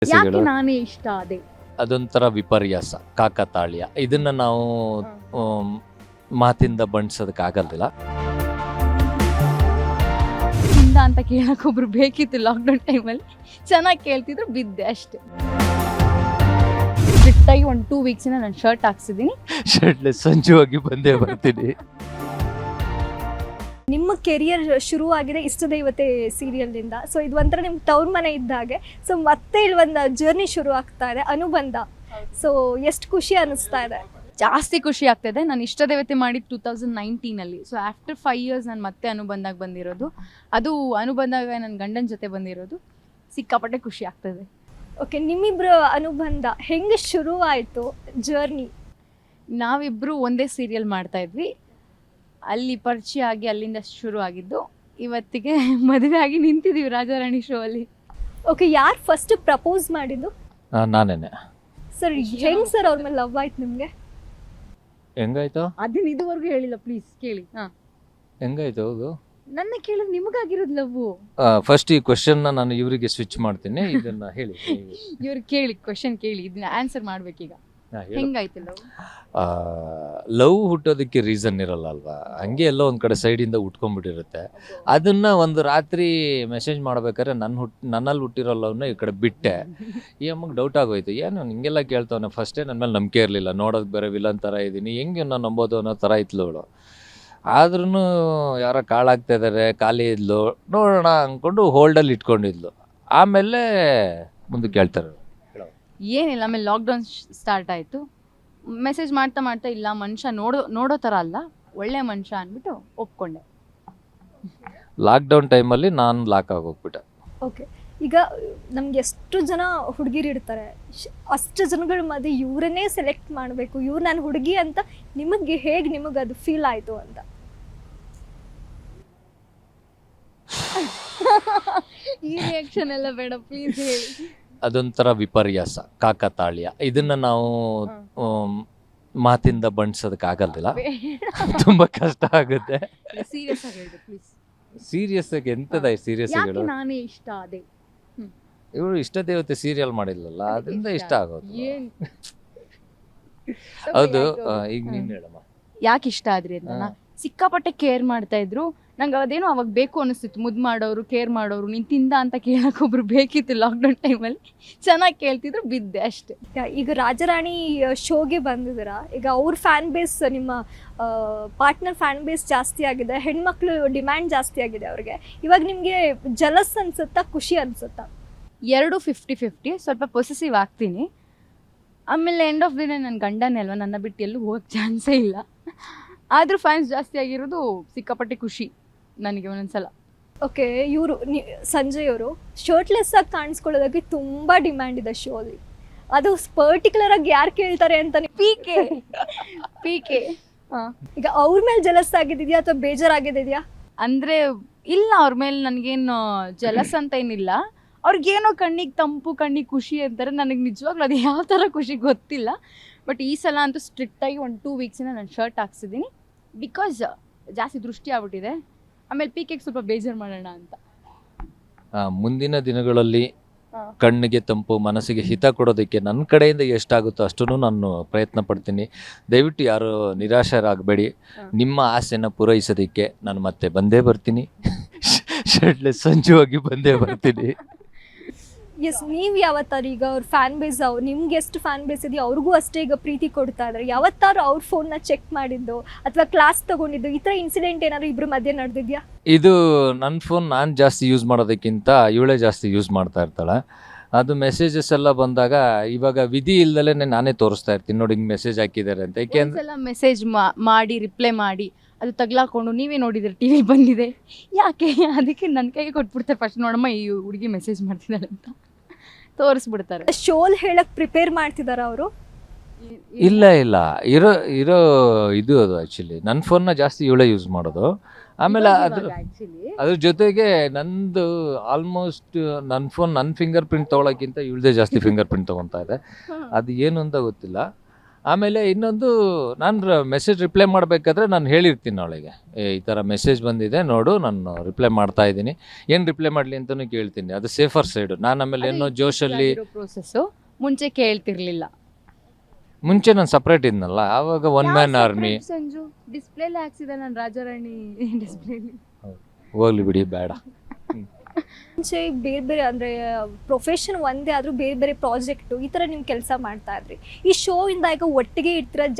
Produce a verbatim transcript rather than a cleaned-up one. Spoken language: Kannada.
ಯಾಕೆ ನಾನೇ ಇಷ್ಟ ಅದೇ ಅದೊಂಥರ ವಿಪರ್ಯಾಸ, ಕಾಕತಾಳ್ಯ. ಇದನ್ನ ನಾವು ಆಮ್, ಮಾತಿಂದ ಬಣ್ಸೋದಕ್ಕಾಗಲ್ಲ. ಹಿಂದ ಅಂತ ಕೇಳಕ್ ಒಬ್ರು ಬೇಕಿತ್ತು ಲಾಕ್ಡೌನ್ ಟೈಮಲ್ಲಿ. ಚೆನ್ನಾಗಿ ಕೇಳ್ತಿದ್ರು, ಬಿದ್ದೆ ಅಷ್ಟೇ. ಸ್ಟ್ರಿಕ್ಟಾಗಿ ಒಂದು ಟೂ ವೀಕ್ಸಿನ ನಾನು ಶರ್ಟ್ ಹಾಕ್ಸಿದ್ದೀನಿ. ಶರ್ಟ್ಲೆಸ್ ಸಂಜುವಾಗಿ ಬಂದೇ ಬರ್ತೀನಿ. ನಿಮ್ಮ ಕೆರಿಯರ್ ಶುರುವಾಗಿದೆ ಇಷ್ಟ ದೇವತೆ ಸೀರಿಯಲ್ನಿಂದ. ಸೊ ಇದು ಒಂಥರ ನಿಮ್ಗೆ ತವ್ರ ಮನೆ ಇದ್ದಾಗೆ. ಸೊ ಮತ್ತೆ ಇಲ್ಲಿ ಒಂದು ಜರ್ನಿ ಶುರು ಆಗ್ತಾ ಇದೆ, ಅನುಬಂಧ. ಸೊ ಎಷ್ಟು ಖುಷಿ ಅನ್ನಿಸ್ತಾ ಇದೆ? ಜಾಸ್ತಿ ಖುಷಿ ಆಗ್ತಾಯಿದೆ. ನಾನು ಇಷ್ಟ ದೇವತೆ ಮಾಡಿದ್ದು ಟೂ ತೌಸಂಡ್ ನೈನ್ಟೀನಲ್ಲಿ. ಸೊ ಆಫ್ಟರ್ ಫೈವ್ ಇಯರ್ಸ್ ನಾನು ಮತ್ತೆ ಅನುಬಂಧಾಗ ಬಂದಿರೋದು. ಅದು ಅನುಬಂಧಾಗ ನನ್ನ ಗಂಡನ ಜೊತೆ ಬಂದಿರೋದು. ಸಿಕ್ಕಾಪಟ್ಟೆ ಖುಷಿ ಆಗ್ತದೆ. ಓಕೆ, ನಿಮ್ಮಿಬ್ಬರ ಅನುಬಂಧ ಹೆಂಗೆ ಶುರುವಾಯಿತು ಜರ್ನಿ? ನಾವಿಬ್ಬರು ಒಂದೇ ಸೀರಿಯಲ್ ಮಾಡ್ತಾಯಿದ್ವಿ. ಅಲ್ಲಿ ಪರಿಚಯ ಆಗಿ ಅಲ್ಲಿಂದ ಶುರು ಆಗಿದ್ದು. ಇವತ್ತಿಗೆ ಮದುವೆ ಆಗಿ ನಿಂತಿದ್ದೀವಿ ರಾಜಾರಾಣಿ ಶೋ ಅಲ್ಲಿ. ಓಕೆ, ಯಾರು ಫಸ್ಟ್ ಪ್ರಪೋಸ್ ಮಾಡಿದ್ದು? ಆ, ನಾನೇನೆ. ಸರ್ ಹೆಂಗೆ ಸರ್ ಅವ್ರ ಮೇಲೆ ಲವ್ ಆಯ್ತು ನಿಮಗೆ? ಹೆಂಗಾಯ್ತು ಅದನ್ನ ಇದುವರೆಗೂ ಹೇಳಿಲ್ಲ, ಪ್ಲೀಸ್ ಕೇಳಿ. ಹಾ, ಹೆಂಗಾಯ್ತು ಹೌದು. ನನ್ನ ಕೇಳಿದ್ರೆ ನಿಮಗಾಗಿರೋದು ಲವ್ವು. ಫಸ್ಟ್ ಈ ಕ್ವಶನ್ ನಾನು ಇವರಿಗೆ ಸ್ವಿಚ್ ಮಾಡ್ತೀನಿ. ಇದನ್ನ ಹೇಳಿ. ಇವ್ರು ಕೇಳಿ, ಕ್ವಶನ್ ಕೇಳಿ, ಇದನ್ನ ಆನ್ಸರ್ ಮಾಡ್ಬೇಕೀಗ. ಹೆಂಗಾಯ್ತು ಲವ್? ಲವ್ ಹುಟ್ಟೋದಕ್ಕೆ ರೀಸನ್ ಇರಲ್ಲ ಅಲ್ವಾ, ಹಂಗೆ ಎಲ್ಲೋ ಒಂದು ಕಡೆ ಸೈಡಿಂದ ಹುಟ್ಕೊಂಡ್ಬಿಟ್ಟಿರುತ್ತೆ. ಅದನ್ನ ಒಂದು ರಾತ್ರಿ ಮೆಸೇಜ್ ಮಾಡ್ಬೇಕಾದ್ರೆ ನನ್ನ ಹುಟ್ ನನ್ನಲ್ಲಿ ಹುಟ್ಟಿರೋ ಲವ್ನ ಈ ಕಡೆ ಬಿಟ್ಟೆ. ಈ ಅಮ್ಮಗೆ ಡೌಟ್ ಆಗೋಯ್ತು, ಏನು ಹಿಂಗೆಲ್ಲ ಕೇಳ್ತಾವನೆ, ಫಸ್ಟೇ ನನ್ನ ಮೇಲೆ ನಂಬಿಕೆ ಇರಲಿಲ್ಲ, ನೋಡೋದು ಬೇರೆ ವಿಲನ್ ಥರ ಇದ್ದೀನಿ, ಹೆಂಗೆ ನಾನು ನಂಬೋದು ಅನ್ನೋ ಥರ ಇತ್ತು ಅವಳು. ಆದ್ರೂ ಯಾರೋ ಕಾಳಾಗ್ತಾ ಇದ್ದಾರೆ, ಖಾಲಿ ಇದ್ಲು, ನೋಡೋಣ ಅಂದ್ಕೊಂಡು ಹೋಲ್ಡಲ್ಲಿ ಇಟ್ಕೊಂಡಿದ್ಲು. ಆಮೇಲೆ ಮುಂದಕ್ಕೆ ಕೇಳ್ತಾರೆ. ಏನಿಲ್ಲ, ಆಮೇಲೆ ಲಾಕ್ಡೌನ್ ಸ್ಟಾರ್ಟ್ ಆಯಿತು. ಮೆಸೇಜ್ ಮಾಡ್ತಾ ಮಾಡ್ತಾ ಇಲ್ಲ ಮನುಷ್ಯ ನೋಡೋ ನೋಡೋ ಥರ ಅಲ್ಲ, ಒಳ್ಳೆ ಮನುಷ್ಯ ಅಂದ್ಬಿಟ್ಟು ಒಪ್ಕೊಂಡೆ. ಲಾಕ್ಡೌನ್ ಟೈಮಲ್ಲಿ ನಾನು ಲಾಕ್ ಆಗೋಗ್ಬಿಟ್ಟೆ. ಓಕೆ, ಈಗ ನಮ್ಗೆ ಎಷ್ಟು ಜನ ಹುಡುಗಿರು ಇರ್ತಾರೆ, ಶ್- ಅಷ್ಟು ಜನಗಳ ಮಧ್ಯೆ ಇವರನ್ನೇ ಸೆಲೆಕ್ಟ್ ಮಾಡಬೇಕು, ಇವ್ರು ನಾನು ಹುಡುಗಿ ಅಂತ ನಿಮಗೆ ಹೇಗೆ ನಿಮಗೆ ಅದು ಫೀಲ್ ಆಯಿತು ಅಂತ? ಈ ರಿಯಾಕ್ಷನ್ ಎಲ್ಲ ಬೇಡ, ಪ್ಲೀಸ್ ಹೇಳಿ. ಅದೊಂಥರ ವಿಪರ್ಯಾಸ, ಕಾಕತಾಳ್ಯ. ಇದನ್ನ ನಾವು ಆಮ್, ಮಾತಿಂದ ಬಣ್ಸೋದಕ್ಕಾಗಲ್ಲ. ತುಂಬಾ ಕಷ್ಟ ಆಗುತ್ತೆ. ಸೀರಿಯಸ್ ಆಗಿ ಹೇಳಿ ಪ್ಲೀಸ್. ಸೀರಿಯಸ್ ಆಗಿ ಎಂತದ ಸೀರಿಯಸ್ಗಳು. ಯಾಕೆ ನಾನೇ ಇಷ್ಟ ಅದೇ ಇವಳು ಇಷ್ಟ ದೇವತೆ ಸೀರಿಯಲ್ ಮಾಡಿಲ್ಲಲ್ಲ, ಅದರಿಂದ ಇಷ್ಟ ಆಗೋದು. ಏನ್ ಹೌದು. ಆ, ಈಗ ನೀನ್ ಹೇಳಮ್ಮ. ಯಾಕೆ ಇಷ್ಟ ಆದ್ರಿ ಅಂತ. ಸಿಕ್ಕಾಪಟ್ಟೆ ಕೇರ್ ಮಾಡ್ತಾ ಇದ್ರು. ನಂಗೆ ಅದೇನೋ ಅವಾಗ ಬೇಕು ಅನಿಸ್ತಿತ್ತು, ಮುದ್ದು ಮಾಡೋರು, ಕೇರ್ ಮಾಡೋರು. ನೀನ್ ತಿಂದ ಅಂತ ಕೇಳಕ್ ಒಬ್ರು ಬೇಕಿತ್ತು ಲಾಕ್ಡೌನ್ ಟೈಮಲ್ಲಿ. ಚೆನ್ನಾಗಿ ಕೇಳ್ತಿದ್ರು, ಬಿದ್ದೆ ಅಷ್ಟೇ. ಈಗ ರಾಜರಾಣಿ ಶೋಗೆ ಬಂದಿದ್ದೀರಾ, ಈಗ ಅವ್ರ ಫ್ಯಾನ್ ಬೇಸ್, ನಿಮ್ಮ ಪಾರ್ಟ್ನರ್ ಫ್ಯಾನ್ ಬೇಸ್ ಜಾಸ್ತಿ ಆಗಿದೆ, ಹೆಣ್ಮಕ್ಳು ಡಿಮ್ಯಾಂಡ್ ಜಾಸ್ತಿ ಆಗಿದೆ ಅವ್ರಿಗೆ. ಇವಾಗ ನಿಮಗೆ ಜಲಸ್ ಅನ್ಸುತ್ತಾ, ಖುಷಿ ಅನ್ಸುತ್ತಾ? ಎರಡು ಫಿಫ್ಟಿ ಫಿಫ್ಟಿ. ಸ್ವಲ್ಪ ಪೊಸೆಸಿವ್ ಆಗ್ತೀನಿ. ಆಮೇಲೆ ಎಂಡ್ ಆಫ್ ದಿ ಡೇ ನನ್ನ ಗಂಡನೇ ಅಲ್ವಾ, ನನ್ನ ಬಿಟ್ಟು ಎಲ್ಲೂ ಹೋಗಕ್ಕೆ ಚಾನ್ಸೇ ಇಲ್ಲ. ಆದರೂ ಫ್ಯಾನ್ಸ್ ಜಾಸ್ತಿ ಆಗಿರೋದು ಸಿಕ್ಕಾಪಟ್ಟೆ ಖುಷಿ ನನಗೆ ಒಂದೊಂದ್ಸಲ. ಓಕೆ, ಇವರು ಸಂಜಯ್ ಅವರು ಶರ್ಟ್ಲೆಸ್ ಆಗಿ ಕಾಣಿಸ್ಕೊಳ್ಳೋದಕ್ಕೆ ತುಂಬ ಡಿಮ್ಯಾಂಡ್ ಇದೆ ಶೋಲಿ. ಅದು ಪರ್ಟಿಕ್ಯುಲರ್ ಆಗಿ ಯಾರು ಕೇಳ್ತಾರೆ ಅಂತ ಪಿ ಕೆ ಪಿ ಕೆ ಈಗ ಅವ್ರ ಮೇಲೆ ಜಲಸ್ ಆಗಿದೆಯಾ ಅಥವಾ ಬೇಜಾರಾಗಿದೆಯಾ? ಅಂದರೆ ಇಲ್ಲ, ಅವ್ರ ಮೇಲೆ ನನಗೇನು ಜಲಸ್ ಅಂತ ಏನಿಲ್ಲ. ಅವ್ರಿಗೇನೋ ಕಣ್ಣಿಗೆ ತಂಪು, ಕಣ್ಣಿಗೆ ಖುಷಿ ಅಂತಾರೆ. ನನಗೆ ನಿಜವಾಗ್ಲೂ ಅದು ಯಾವ ಥರ ಖುಷಿ ಗೊತ್ತಿಲ್ಲ. ಬಟ್ ಈ ಸಲ ಅಂತೂ ಸ್ಟ್ರಿಕ್ಟಾಗಿ ಒಂದು ಟೂ ವೀಕ್ಸಿನ ನಾನು ಶರ್ಟ್ ಹಾಕ್ಸಿದ್ದೀನಿ. ಬಿಕಾಸ್ ಜಾಸ್ತಿ ದೃಷ್ಟಿ ಆಗ್ಬಿಟ್ಟಿದೆ. ಆಮೇಲೆ ಪಿ ಕೆಗೆ ಸ್ವಲ್ಪ ಬೇಜಾರು ಮಾಡೋಣ ಅಂತ. ಆ, ಮುಂದಿನ ದಿನಗಳಲ್ಲಿ ಕಣ್ಣಿಗೆ ತಂಪು, ಮನಸ್ಸಿಗೆ ಹಿತ ಕೊಡೋದಕ್ಕೆ ನನ್ನ ಕಡೆಯಿಂದ ಎಷ್ಟಾಗುತ್ತೋ ಅಷ್ಟನ್ನು ನಾನು ಪ್ರಯತ್ನ ಪಡ್ತೀನಿ. ದಯವಿಟ್ಟು ಯಾರು ನಿರಾಶರಾಗಬೇಡಿ. ನಿಮ್ಮ ಆಸೆನ ಪೂರೈಸೋದಕ್ಕೆ ನಾನು ಮತ್ತೆ ಬಂದೇ ಬರ್ತೀನಿ. ಶರ್ಟ್ಲೆಸ್ ಸಂಜುವಾಗಿ ಬಂದೇ ಬರ್ತೀನಿ. ಎಸ್, ನೀವು ಯಾವತ್ತಾರು ಈಗ ಅವ್ರ ಫ್ಯಾನ್ ಬೇಸ್, ಅವ್ರು ನಿಮ್ಗೆ ಎಷ್ಟು ಫ್ಯಾನ್ ಬೇಸ್ ಇದೆಯೋ ಅವ್ರಿಗೂ ಅಷ್ಟೇ ಈಗ ಪ್ರೀತಿ ಕೊಡ್ತಾ ಇದ್ದಾರೆ. ಯಾವತ್ತಾರು ಅವ್ರ ಫೋನ್ನ ಚೆಕ್ ಮಾಡಿದ್ದು ಅಥವಾ ಕ್ಲಾಸ್ ತಗೊಂಡಿದ್ದು, ಈ ಥರ ಇನ್ಸಿಡೆಂಟ್ ಏನಾದ್ರು ಇಬ್ಬರ ಮಧ್ಯೆ ನಡೆದಿದ್ಯಾ? ಇದು ನನ್ನ ಫೋನ್ ನಾನು ಜಾಸ್ತಿ ಯೂಸ್ ಮಾಡೋದಕ್ಕಿಂತ ಇವಳೇ ಜಾಸ್ತಿ ಯೂಸ್ ಮಾಡ್ತಾ ಇರ್ತಾಳೆ. ಅದು ಮೆಸೇಜಸ್ ಎಲ್ಲ ಬಂದಾಗ ಇವಾಗ ವಿಧಿ ಇಲ್ದಲೇ ನಾನೇ ತೋರಿಸ್ತಾ ಇರ್ತೀನಿ, ನೋಡಿ ಹಿಂಗೆ ಮೆಸೇಜ್ ಹಾಕಿದ್ದಾರೆ ಅಂತ. ಏಕೆಂದ್ರೆ ಒಂದ್ಸಲ ಮೆಸೇಜ್ ಮಾಡಿ ರಿಪ್ಲೈ ಮಾಡಿ ಅದು ತಗ್ಲಾಕೊಂಡು ನೀವೇ ನೋಡಿದ್ರೆ ಟಿ ವಿ ಬಂದಿದೆ ಯಾಕೆ, ಅದಕ್ಕೆ ನನ್ನ ಕೈಗೆ ಕೊಟ್ಬಿಡ್ತಾರೆ ಫಸ್ಟ್, ನೋಡಮ್ಮ ಈ ಹುಡುಗಿ ಮೆಸೇಜ್ ಮಾಡ್ತಿದ್ದಾಳೆ ಅಂತ ತೋರಿಸ್ಬಿಡ್ತಾರೆ. ಶೋಲ್ ಹೇಳಕ್ ಪ್ರಿಪೇರ್ ಮಾಡ್ತಿದಾರ ಅವರು? ಇಲ್ಲ ಇಲ್ಲ, ಇರೋ ಇರೋ ಇದು ಅದು ಆ್ಯಕ್ಚುಲಿ ನನ್ನ ಫೋನ್ನ ಜಾಸ್ತಿ ಇವಳೇ ಯೂಸ್ ಮಾಡೋದು. ಆಮೇಲೆ ಅದ್ರ ಅದ್ರ ಜೊತೆಗೆ ನಂದು ಆಲ್ಮೋಸ್ಟ್ ನನ್ನ ಫೋನ್ ನನ್ನ ಫಿಂಗರ್ ಪ್ರಿಂಟ್ ತೊಗೊಳಕ್ಕಿಂತ ಇವಳದೇ ಜಾಸ್ತಿ ಫಿಂಗರ್ ಪ್ರಿಂಟ್ ತೊಗೊತಾ ಇದೆ. ಅದು ಏನು ಅಂತ ಗೊತ್ತಿಲ್ಲ. ಆಮೇಲೆ ಇನ್ನೊಂದು ನಾನು ಮೆಸೇಜ್ ರಿಪ್ಲೈ ಮಾಡಬೇಕಾದ್ರೆ ನಾನು ಹೇಳಿರ್ತೀನಿ ಅವಳಿಗೆ, ಏ ಈ ಥರ ಮೆಸೇಜ್ ಬಂದಿದೆ ನೋಡು, ನಾನು ರಿಪ್ಲೈ ಮಾಡ್ತಾ ಇದ್ದೀನಿ, ಏನು ರಿಪ್ಲೈ ಮಾಡಲಿ ಅಂತಲೂ ಕೇಳ್ತೀನಿ. ಅದು ಸೇಫರ್ ಸೈಡು. ನಾನು ಆಮೇಲೆ ಏನೋ ಜೋಶಲ್ಲಿ ಪ್ರೋಸೆಸ್ಸು ಮುಂಚೆ ಕೇಳ್ತಿರ್ಲಿಲ್ಲ. ಮುಂಚೆ ನಾನು ಸಪ್ರೇಟ್ ಇದ್ನಲ್ಲ, ಆವಾಗ ಒನ್ ಮ್ಯಾನ್ ಆರ್ಮಿ. ಸಂಜು ಡಿಸ್ಪ್ಲೇಲಿ ಹಾಕ್ಸಿದೆ ನಾನು ರಾಜಾರಾಣಿ ಡಿಸ್ಪ್ಲೇಲಿ. ಹೋಗ್ಲಿ ಬಿಡಿ, ಬೇಡ. ಮುಂಚೆ ಬೇರೆ ಬೇರೆ ಅಂದರೆ ಪ್ರೊಫೆಷನ್ ಒಂದೇ ಆದರೂ ಬೇರೆ ಬೇರೆ ಪ್ರಾಜೆಕ್ಟು ಈ ಥರ ನೀವು ಕೆಲಸ ಮಾಡ್ತಾ ಇದ್ರಿ. ಈ ಶೋ ಇಂದ ಈಗ ಒಟ್ಟಿಗೆ ಇರ್ತೀರ,